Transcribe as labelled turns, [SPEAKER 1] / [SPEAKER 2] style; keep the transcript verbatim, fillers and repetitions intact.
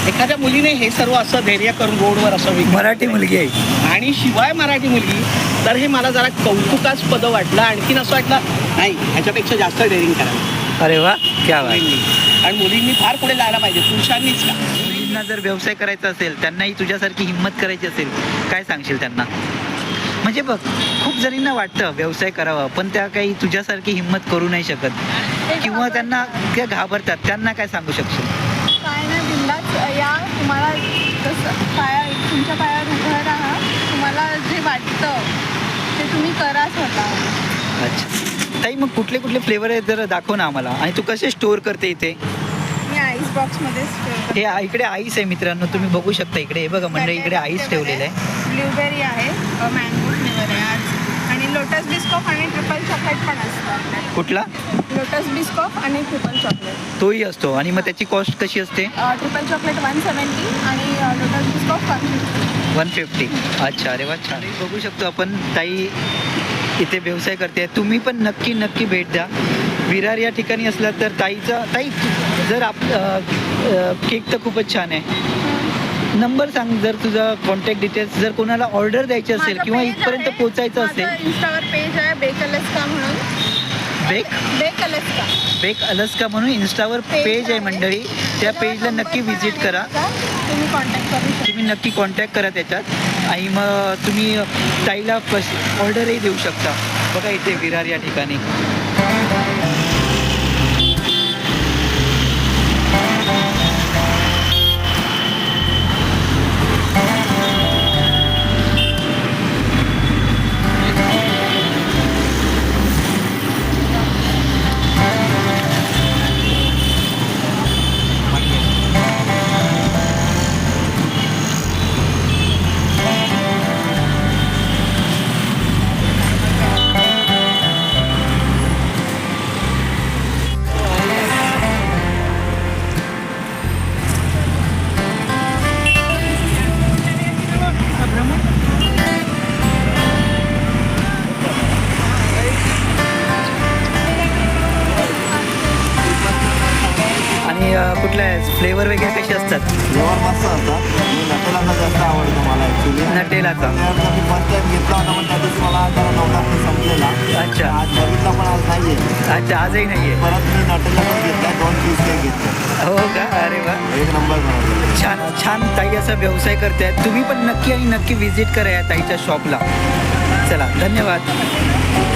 [SPEAKER 1] एखाद्या मुलीने हे सर्व असं धैर्य करून रोडवर असं विकत
[SPEAKER 2] मराठी मुलगी आहे
[SPEAKER 1] आणि शिवाय मराठी मुलगी, तर हे मला जरा कौतुकास्पद वाटलं. आणखीन असं वाटलं नाही ह्याच्यापेक्षा जास्त डेअरिंग करावं.
[SPEAKER 2] अरे वा, क्या बात.
[SPEAKER 1] मुलींनी आणि मुलींनी फार पुढे जायला पाहिजे, पुरुषांनीच का.
[SPEAKER 2] मुलींना जर व्यवसाय करायचा असेल, त्यांनाही तुझ्यासारखी हिंमत करायची असेल, काय सांगशील त्यांना? म्हणजे बघ, खूप जणींना वाटतं व्यवसाय करावा, पण त्या काही तुझ्यासारखी हिंमत करू नाही शकत किंवा त्यांना त्या घाबरतात. त्यांना काय सांगू शकशील?
[SPEAKER 3] काय नाही, बिंदास या, तुम्हाला जसं पाया तुमच्या पायावर उभं राहा, तुम्हाला जे वाटतं ते तुम्ही करा स्वतः.
[SPEAKER 2] अच्छा ताई, मग कुठले कुठले फ्लेवर आहेत जरा दाखव ना आम्हाला, आणि तू कसे स्टोअर करते इथे?
[SPEAKER 3] मी आईस बॉक्समध्येच
[SPEAKER 2] हे आ- इकडे आईस आहे मित्रांनो, तुम्ही बघू शकता. इकडे हे बघा मंडळी, इकडे आईस ठेवलेलं आहे.
[SPEAKER 3] ब्ल्यूबेरी आहे, मँगो फ्लेवर आहे आज, आणि लोटस बिस्कॉफ आणि ट्रिपल चॉकलेट पण असतं आपल्याकडे.
[SPEAKER 2] कुठला?
[SPEAKER 3] लोटस बिस्कॉफ आणि ट्रिपल चॉकलेट.
[SPEAKER 2] तोही असतो. आणि मग त्याची कॉस्ट कशी असते?
[SPEAKER 3] ट्रिपल चॉकलेट वन सेवन्टी आणि Lotus Biscoff one fifty.
[SPEAKER 2] One fifty. अच्छा, अरे वा, छान. बघू शकतो आपण, ताई इथे व्यवसाय करते. तुम्ही पण नक्की नक्की भेट द्या. विरार या ठिकाणी असला तर ताईचा, ताई जर आप केक तर खूपच छान आहे. नंबर सांग जर तुझा, कॉन्टॅक्ट डिटेल्स, जर कोणाला ऑर्डर द्यायची असेल किंवा इथपर्यंत पोचायचं असेल.
[SPEAKER 3] इंस्टावर पेज आहे बेक अलस्का म्हणून.
[SPEAKER 2] Bake
[SPEAKER 3] bake Alaska
[SPEAKER 2] bake Alaska म्हणून इंस्टावर पेज आहे मंडळी. त्या पेजला नक्की व्हिजिट करा.
[SPEAKER 3] तुम्ही कॉन्टॅक्ट करू शकता.
[SPEAKER 2] तुम्ही नक्की कॉन्टॅक्ट करा त्याच्यात, आणि मग तुम्ही ताईला कश ऑर्डरही देऊ शकता. बघा इथे विरार या ठिकाणी. आणि कुठल्या फ्लेवर वगैरे कसे असतात?
[SPEAKER 4] फ्लेवर मस्त असतात. मी नटेलाचा जास्त आवडतो मला ॲक्च्युली.
[SPEAKER 2] नटेलाचा.
[SPEAKER 4] मी फर्स्ट टाइम घेतला होता, पण त्या दिवशी मला जरा नवरात्री संपलेला.
[SPEAKER 2] अच्छा.
[SPEAKER 4] आज बघितला पण आज नाही आहे.
[SPEAKER 2] अच्छा, आजही नाही आहे.
[SPEAKER 4] परत मी नटेलाचा घेतला, दोन पीस केक घेतले.
[SPEAKER 2] हो का? अरे वा,
[SPEAKER 4] एक नंबर बनवलं.
[SPEAKER 2] छान छान. ताई असा व्यवसाय करतायत. तुम्ही पण नक्की आणि नक्की व्हिजिट करा या ताईच्या शॉपला. चला, धन्यवाद.